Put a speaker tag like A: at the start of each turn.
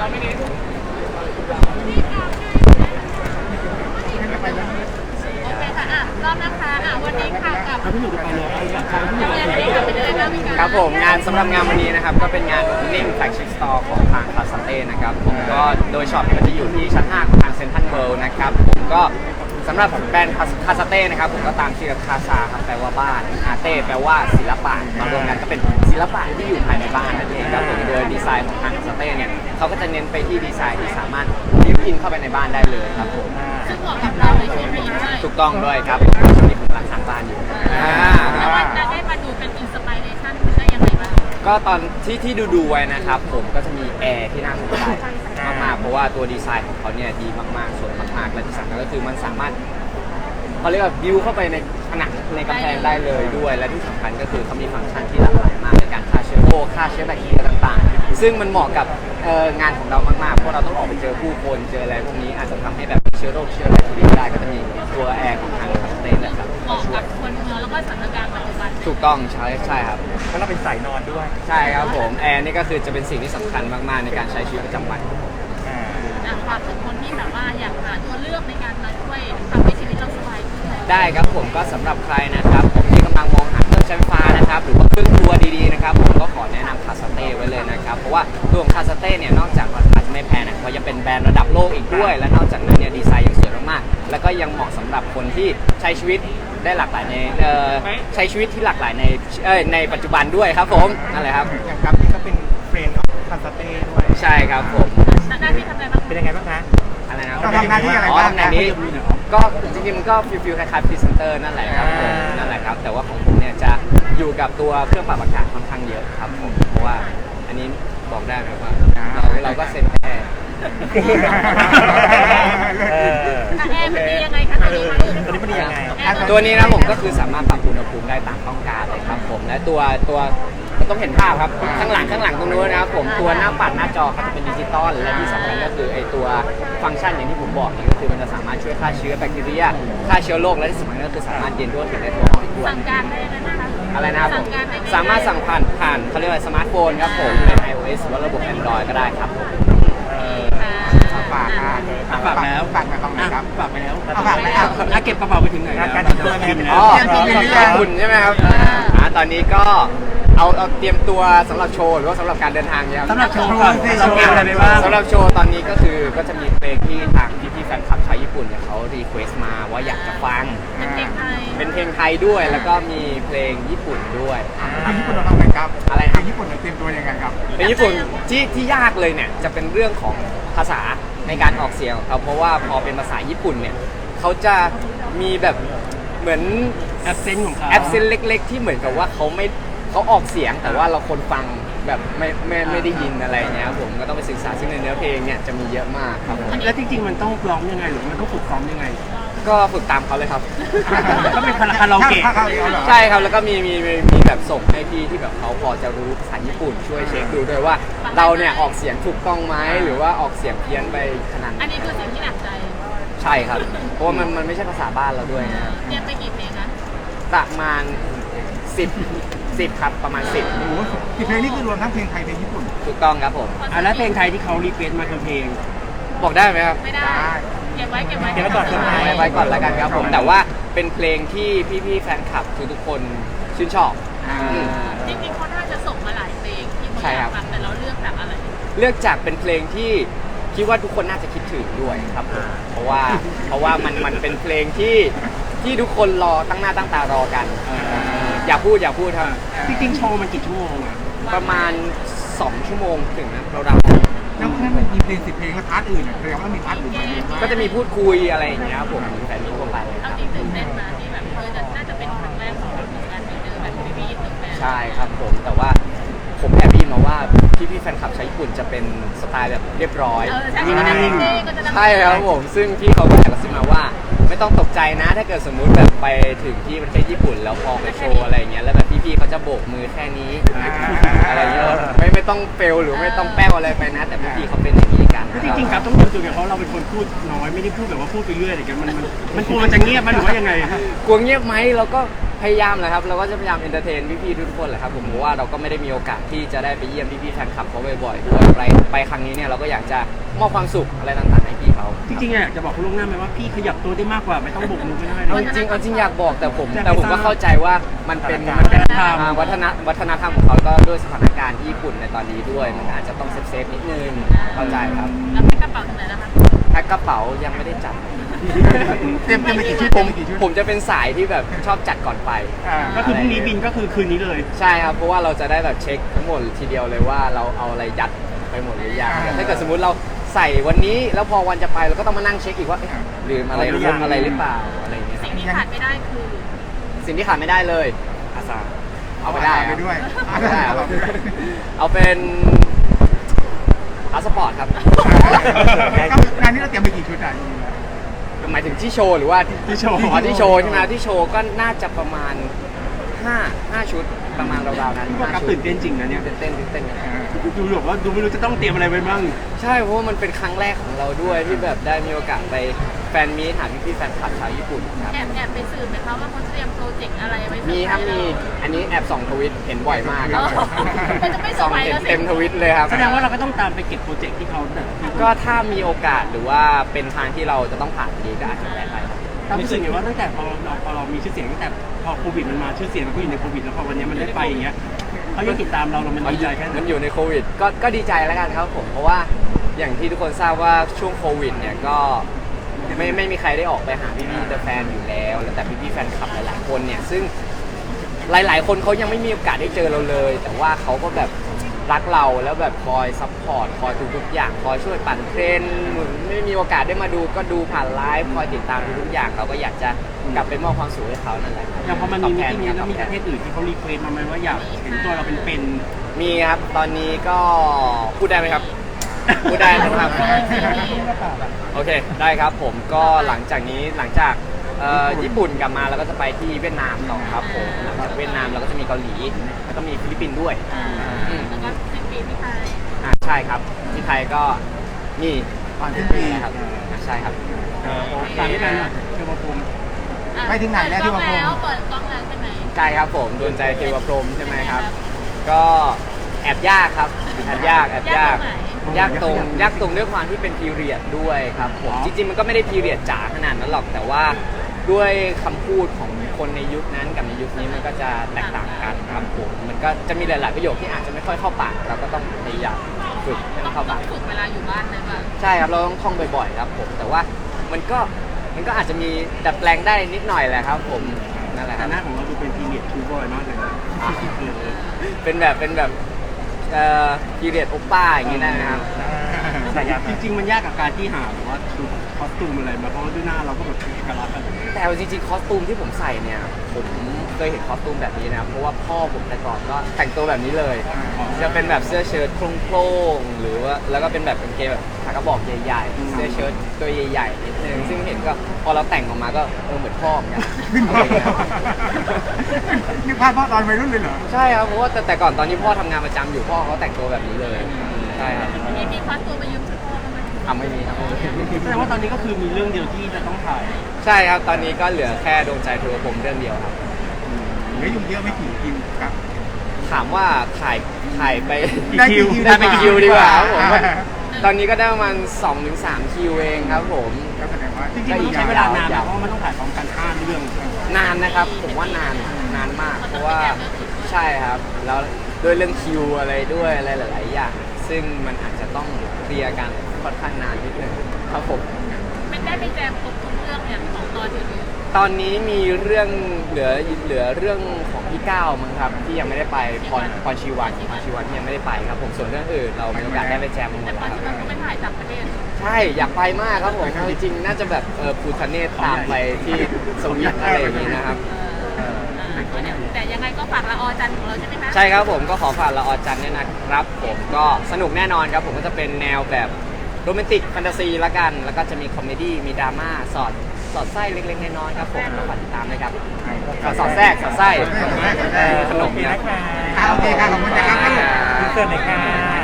A: โอเคค่ะรอบนะคะวันนี้ค่ะกับ
B: พี่หนุ่มไปเลย
C: ครับผมงานสำหรับงานวันนี้นะครับก็เป็นงาน Opening Flagship Store ของทางคาสเต้นะครับผมก็โดยช็อปมันจะอยู่ที่ชั้น 5 ของทางเซ็นทรัลเวิลด์นะครับผมก็สำหรับแบรนด์คาสเต้นะครับผมก็ตามชื่อคาซาครับแปลว่าบ้านอาเต้แปลว่าศิลปะมารวมกันก็เป็นศิลปะที่อยู่ภายในบ้านนั่นเองครับผมโดยดีไซน์ของทางคาสเต้เนี่ยเขาก็จะเน้นไปที่ดีไซน์ที่สามารถลิฟต์อินเข้าไปในบ้านได้เลยครับผม
A: ซึ่งเหมาะกับเราในชีวิตด้วย
C: ถูกต้องด้วยครับช่วงนี้ผมกำลังสร้างบ้านอยู่
A: แล้ววันจะได้มาดูเป็นอินสปิเรชันได้ยังไงบ้าง
C: ก็ตอนที่ดูไว้นะครับผมก็จะมีแอร์ที่น่าสนใจมากๆเพราะว่าตัวดีไซน์ของเขาเนี่ยดีมากๆสวยมากๆและที่สำคัญก็คือมันสามารถเขาเรียกว่าบิวเข้าไปในผนังในกำแพงได้เลยด้วยและที่สำคัญก็คือเขามีฟังก์ชันที่หลากหลายมากในการฆ่าเชื้อโรคฆ่าเชื้อแบคทีเรียต่างๆซึ่งมันเหมาะกับงานของเรามากๆเพราะเราต้องออกไปเจอผู้คนเจออะไรพวกนี้อาจจะทำให้แบบเชื้อโรคเชื้อแบคทีเรียได้ก็จะมีตัวแอร์ของทางคาสเต้นะครับ
A: เหมาะกับคนเมืองแล้วก็สถานการณ์ปัจจุบัน
C: ถูกต้องใช่ครับ
B: เพราะเราเป็นสายนอนด้วย
C: ใช่ครับผมแอร์นี่ก็คือจะเป็นสิ่งที่สำคัญมากๆในการใช้ชีวิตประจำวัน
A: ฝากถึงคนที่แบบว่าอยากหาตัวเลือกในการมาช่วยทำให้ชีวิตเราสบายขึ้น
C: ได้ครับผมก็สำหรับใครนะครับผมที่กำลังมองหาเครื่องใช้ไฟฟ้านะครับหรือว่าเครื่องครัวดีๆนะครับผมก็ขอแนะนำคาสเต้ไว้เลยนะครับเพราะว่าตัวของคาสเต้เนี่ยนอกจากราคาจะไม่แพงนะเขายังเป็นแบรนด์ระดับโลกอีกด้วยและนอกจากนั้นเนี่ยดีไซน์ยังสวยมากๆแล้วก็ยังเหมาะสำหรับคนที่ใช้ชีวิตได้หลากหลายในใช้ชีวิตที่หลากหลายในปัจจุบันด้วยครับผมนั่นแหละครับ
B: อย่างครับนี่ก็เป็นเฟรนด์ของคาสเต้ด้วย
C: ใช่ครับผม
A: หน้าที่ทำอะไรบ้าง
B: เป็นยังไงบ้างคะ
C: อะไรนะ
B: ทำหน้าที่อะไรบ้าง
C: ในนี้ก็จริงๆมันก็ฟิลคล้ายๆพรีเซนเตอร์นั่นแหละครับผมนั่นแหละครับแต่ว่าของผมเนี่ยจะอยู่กับตัวเครื่องปรับอากาศค่อนข้างเยอะครับผมเพราะว่าอันนี้บอกได้ไหมว่าเราก็เซ็นแค่
A: แอร์มันดียังไงคะตัวนี้
B: มันดียังไง
C: ตัวนี้นะผมก็คือสามารถปรับอุณหภูมิได้ตามต้องการเลยครับผมและตัวต้องเห็นภาพครับข้างหลังตรงนู้นนะครับผมตัวหน้าปัดหน้าจอเขาจะเป็นดิจิตอลและที่สำคัญก็คือไอตัวฟังก์ชันอย่างที่ผมบอกนี่ก็คือมันจะสามารถช่วยฆ่าเชื้อแบคทีเรียฆ่าเชื้อโรคและที่สำคัญก็คือสามารถเย็นด้วยถึงได้ทั่วไปด้วย
A: สั่งการได้เลยนะคะ
C: อะไรนะครับผมสามารถสั่งผ่านเขาเรียกว่าสมาร์ทโฟนครับผมเป็น iOS หรือว่าระบบ Android ก็ได้ครับผม
B: ฝาก
C: แล้ว
B: ฝากมาตรงไหนครับ
C: ฝากไปแล้ว
B: ฝากไป
C: แล้วเก็บกระเป๋าไปถึงไหน
B: การ
C: ติดตัวคุณใช่ไหมครับตอนนี้ก็เอาเตรียมตัวสำหรับโชว์หรือว่าสำหรับการเดินทางเนี่ยครับ
B: สำหรับโชว์ก่อนเราเตรียมอะไรไปบ้าง
C: สำหรับโชว์ตอนนี้ก็คือก็จะมีเพลงที่ทางพี่แฟนคลับชาวญี่ปุ่นเนี่ยเขารีเควสต์มาว่าอยากจะฟังเป็นเพลงไทยด้วยแล้วก็มีเพลงญี่ปุ่นด้วย
B: เพลงญี่ปุ่นเราทำไงครับ
C: อะไร
B: เพลงญี่ปุ่นเราเตรียมตัวยังไงครับ
C: เพลงญี่ปุ่นที่ยากเลยเนี่ยจะเป็นเรื่องของภาษาในการออกเสียงของเขาเพราะว่าพอเป็นภาษาญี่ปุ่นเนี่ยเขาจะมีแบบเหมือน
B: แอปเซนต์ของเขา
C: แอปเซนต์เล็กๆที่เหมือนกับว่าเขาออกเสียงแต่ว่าเราคนฟังแบบไม่ได้ยินอะไรเงี้ยผมก็ต้องไปศึกษาซึ่งในเนื้อเพลงเนี่ยจะมีเยอะมากครับ
B: แล้วจริงๆมันต้องร้องยังไงหรือมันต้องฝึกซ้อมยังไง
C: ก็ฝึกตามเขาเลยครับ
B: ก็เป็นคาราโอเกะ
C: ใช่ครับแล้วก็มีแบบส่งให้พี่ที่แบบเขาพอจะรู้ภาษาญี่ปุ่นช่วยเช็คดูด้วยว่าเราเนี่ยออกเสียงถูกต้องไหมหรือว่าออกเสียงเพี้ยนไปขนาด
A: อันนี้คือสิ่งที่หนักใจ
C: ใช่ครับเพราะว่ามันไม่ใช่ภาษาบ้านเราด้วยนะครับ
A: เรียนไปกี่เพลงนะ
C: ประมาณ10ครับประมาณ10
B: โอ้โห10เพลงนี่คือรวมทั้งเพลงไทยเพลงญี่ปุ่น
C: ถูกต้องครับผม
B: แล้วเพลงไทยที่เขารีเควสต์มาคือเพลง
C: บอกได้ไหมครับ
A: ไม่ได้เก็บไว้
B: ก่อน
C: ไว้ก่อนแล้วกันครับผมแต่ว่าเป็นเพลงที่พี่ๆแฟนคลับทุกคนชื่นชอบ
A: จริงๆเขาน่าจะส่งมาหลายเพลงที่เขาอยากฟังแต่เราเลือกจากอะไร
C: เลือกจากเป็นเพลงที่คิดว่าทุกคนน่าจะคิดถึงด้วยครับผมเพราะว่ามันเป็นเพลงที่ทุกคนรอตั้งหน้าตั้งตารอกันอย่าพูดครับ
B: จริงๆโชว์มันกี่ชั่วโมงอะ
C: ประมาณ2 ชั่วโมงถึงนะเรา
B: แล้วแค่มันมีเพลง10 เพลงแล้วพาร์ทอื่นแสดงว่ามีพาร์ทอื่น
C: ก็จะมีพูดคุยอะไรอย่างเงี้ยครับผมแฟนทั่วไป
A: เอาจริงตื่นเต้นนะที่แบบน่าจะเป็นครั้งแรกของการไปเจอแบบพี่ๆตึกแฟน
C: ใช่ครับผมแต่ว่าผมแอบได้ยินมาว่าพี่แฟนคลับชาวญี่ปุ่นจะเป็นสไตล์แบบเรียบร้อยใช่ครับผมซึ่งพี่เขาก็แอบกระซิบมาว่าไม่ต้องตกใจนะถ้าเกิดสมมุติแบบไปถึงที่ประเทศญี่ปุ่นแล้วพอไปโชว์อะไรเงี้ยแล้วแบบพี่ๆเขาจะโบกมือแค่นี้อะไรเงี้ยไม่ต้องเฟลหรือไม่ต้องแป้วอะไรไปนะแต่พี่ๆเขาเป็นอย่างนี้กัน
B: จริงๆครับต้องดูจุดเพราะเราเป็นคนพูดน้อยไม่ได้พูดแบบว่าพูดไปเรื่อยอะไรกันมันกลัวมันจะเงียบมันหรือว่ายังไง
C: กลัวเงียบไหมเราก็พยายามแหละครับเราก็จะพยายามเอนเตอร์เทนพี่ๆทุกคนแหละครับผมเพราะว่าเราก็ไม่ได้มีโอกาสที่จะได้ไปเยี่ยมพี่ๆแฟนคลับเขาบ่อยๆด้วยไปครั้งนี้เนี่ยเราก็อยากจะมอบความสุขอะไรต่างๆให้พี่เขา
D: จริงๆอ่ะจะบอกคุณล่วงหน้าไหมว่าพี่ขยับตัวได้มากกว่าไม่ต้องโบกมือไม่ได้
C: เอาจริงอยากบอกแต่ผมก็เข้าใจว่ามันเป็นวัฒนธรรมของเขาก็ด้วยสถานการณ์ที่ญี่ปุ่นในตอนนี้ด้วยมันอาจจะต้องเซฟนิดนึงเข้าใจครับ
A: แล้วแพ็คกระเป๋าถึงไหนแล้วคะ
C: แพ็คกระเป๋ายังไม่ได้จัด
B: เตรียมไปกี่ชุด
C: ผมจะเป็นสายที่แบบชอบจัดก่อนไป
D: ก็คือพรุ่งนี้บินก็คือคืนนี้เลย
C: ใช่ครับเพราะว่าเราจะได้แบบเช็คทั้งหมดทีเดียวเลยว่าเราเอาอะไรยัดไปหมดหรือยังถ้าเกิดสมมุติเราใส่วันนี้แล้วพอวันจะไปเราก็ต้องมานั่งเช็คอีกว่าลืมอะไรหรืออะไรหรือเปล่าอะไรอย่างเงี้ย
A: สิ่งที่ขาดไม่ได้คือ
C: สิ่งที่ขาดไม่ได้เลยอาซาเอาไปได้
B: ไปด้วย
C: เอาไปได้ครับเอาเป็นพาสปอร์ตครับ
B: งานนี้เราเตรียมไปกี่ชุดอ่ะ
C: หมายถึงที่โชว์หรือว่า
D: ที่โชว์
C: อ๋อที่โชว์ใช่ไหมที่โชว์ก็น่าจะประมาณ5ชุดประมาณราวๆนั้น
D: พี่ว่ากับตื่นเต้นจริงนะเนี่ย
C: เต้นกัน
D: ดูแบบว่าดูไม่รู้จะต้องเตรียมอะไรไปบ้าง
C: ใช่เพราะว่ามันเป็นครั้งแรกของเราด้วยที่แบบได้มีโอกาสไปแฟนมีตหาพี่ๆแฟนคลับชาวญี่ปุ่นครับ
A: แอบไปสืบไหมคะว่าเขาเตรียมโปรเจกต์อะไรไว้
C: มีครับมีอันนี้แอบส่องทวิตเห็นบ่อยมากครับ
A: มันจะไม่เซอ
C: ส่อ
A: ร์
C: ง
A: ไพรส์
C: เห็น
A: แล้วสิ
C: เต็มทวิตเลยครับ
D: แสดงว่าเราก็ต้องตามไปเก็บโปรเจกต์ที่เขาเนี่ย
C: ก็ถ้ามีโอกาสหรือว่าเป็นทางที่เราจะต้องผ่านดีก็อาจจะได้ไปครับ
D: ตามรู้สึกไงว่าตั้งแต่พอเรามีชื่อเสียงตั้งแต่พอโควิดมันมาชื่อเสียงมันก็อยู่ในโควิดแล้วพอวันนี้มันได้ไปอย่างเงี้ยเขายังติดตามเรามันดีใจแค่ไหน
C: มันอยู่ในโควิดก็ดีใจแล้วกันครับผมเพราะว่าอย่างที่ทุกคนทราบว่าช่วงโควิดเนี่ยก็ไม่มีใครได้ออกไปหาพี่ๆแต่แฟนอยู่แล้วแต่พี่ๆแฟนคลับหลายๆคนเนี่ยซึ่งหลายๆคนเขายังไม่มีโอกาสได้เจอเราเลย แต่ว่าเขาก็แบบรักเราแล้วแบบคอยซัพพอร์ตคอยทุกๆอย่างคอยช่วยปั่นเทรนด์ไม่มีโอกาสได้มาดูก็ดูผ่านไลฟ์คอยติดตามทุกๆอย่างเราก็อยากจะกลับไปมอบความสุขให้เขานั่นแหละ
D: อย่างพอมันมีมิ
C: ตอบ
D: ติ้ง
C: ท
D: นี้แล้วมี
C: ต
D: ป
C: อบ
D: ระ
C: ท
D: เท
C: น
D: ศอื่นที่เขารีเควสมาไหมว่าอยากเห็นตัวเราเป็น
C: มีครับตอนนี้ก็พูดได้ไหมครับ พูดได้นะครับ โอเคได้ครับผมก็หลังจากญี่ปุ่นกลับมาเราก็จะไปที่เวียดนามต่อครับผมหลังจากเวียดนามเราก็จะมีเกาหลีแล้วก็มีฟิลิปปินส์ด้วย
A: แล้วก็สิ้นปีที่ไทย
C: ใช่ครับที่ไทยก็มี
B: ก่อนสิ้นปี
C: นะครับใช่ครับ
D: ตามที่นั่นเชื่อว่าภูมิ
B: ไปถึงไหนแล้วที่ว่า
A: เปิดกล้องแล้วใช่ไหม
C: ใช่ครับผมดวงใจเทวพรหมใช่ไหมครับ ก็แอบยากครับแอบยากยากตรงด้วยความที่เป็นพีเรียดด้วยครับผมจริงๆมันก็ไม่ได้พีเรียดจ๋าขนาดนั้นหรอกแต่ว่าด้วยคำพูดของคนในยุคนั้นกับในยุคนี้มันก็จะแตกต่างกันครับผมมันก็จะมีหลายๆประโยคที่อาจจะไม่ค่อยเข้าปากเราก็ต้องพยายามฝึกให้มันเข้าปาก
A: ฝึกเวลาอยู่บ้านเลยป่ะ
C: ใช่ครับเราต้องท่องบ่อยๆครับผมแต่ว่ามันก็อาจจะมีดัดแปลงได้นิดหน่อยแหละครับผมนั่นแหละค
D: แต่
C: รับ
D: หน้าของเราดูเป็นพีเรียดทูบอยมากเลยนะ
C: เป็นแบบพีเรียดโอป้าอย่างนี้ได้ไหมครับ
D: จริงๆมันยากกับการที่หาแบบว่าชุดคอสตูมอะไรมาเพราะว่าด้วยหน้าเราก็แบบเอกลักษณ์กัน
C: แต่เอาจริงๆคอสตูมที่ผมใส่เนี่ยผมเคยเห็นคอสตูมแบบนี้นะครับเพราะว่าพ่อผมแต่ก่อนก็แต่งตัวแบบนี้เลยจะเป็นแบบเสื้อเชิ้ตโคร่งๆหรือว่าแล้วก็เป็นแบบกางเกงแบบขากระบอกใหญ่ๆเสื้อเชิ้ตตัวใหญ่ๆนิดนึงซึ่งเห็นก็พอเราแต่งออกมาก็เหมือนพ่อเหมือนกัน
B: ขึ้นพ่อนี่พลาดพ่อตอนวัยรุ่นเลยเหรอ
C: ใช่ครับเพราะว่าแต่ก่อนตอนที่พ่อทำงานประจำอยู่พ่อเขาแต่งตัวแบบนี้เลยใช่ครับ
A: มีคว้าตัวมายืมชุดพ่อบ้างไหม
C: ไม่มีครับ
D: แสดงว่าตอนนี้ก็คือมีเรื่องเดียวที่จะต้องถ่าย
C: ใช่ครับตอนนี้ก็เหลือแค่ดวงใจเธอผมเรื่องเดียวครับ
B: เหลืออยู่เยอะไม่กี่คิวครับ
C: ถามว่าถ่ายไป
B: ได้กี่คิว
C: ได้ไปคิวดีกว่าครับผมตอนนี้ก็ได้ประมาณ 2-3 คิวเองครับผม
B: ก็แสดงว่า
D: จริงๆมันต้องใช้เวลานานนะเพราะว่ามันต้องถ่ายพร้อมกัน5เรื่อง
C: นานนะครับผมว่านานมาก เพราะว่าใช่ครับแล้วด้วยเรื่องคิวอะไรด้วยอะไรหลาย ๆ อย่าง ซึ่งมันอาจจะต้องเคลียร์กันค่อนข้างนานนิดนึงครับผม
A: ไม่ได้ไปแจมครบทุกเรื่องเนี่ยของตอนอยู่
C: ตอนนี้มีเรื่องเหลือเรื่องของพี่ก้าวมั้งครับที่ยังไม่ได้ไปพรชีวันที่ยังไม่ได้ไปครับผมส่วนเรื่องอื่นเรามีโอกาสได้ไปแจมมาหม
A: แต่
C: ด
A: ตอ
C: แล้
A: น
C: วครับ
A: ที่มันก็ไปถ่ายต่างประเทศ
C: ใช่อยากไปมากครับผมเอาจริงๆน่าจะแบบภูทะเนศตามไปที่สวิตอะไรอย่างนี้นะครับ
A: แต่ยังไงก็ฝากละออจันของเราใช่ไหมคะ
C: ใช่ครับผมก็ขอฝากละออจันเนี่ยนะครับผมก็สนุกแน่นอนครับผมก็จะเป็นแนวแบบโรแมนติกแฟนตาซีละกันแล้วก็จะมีคอมเมดี้มีดราม่าสอดไส้เล็กๆน้อยๆครับผมก็ฝากติดตามนะครับสอดแทรกสอดไส้ขนมครับ
B: โอเคค่ะขอบคุณนะครับ
C: เกิดในการ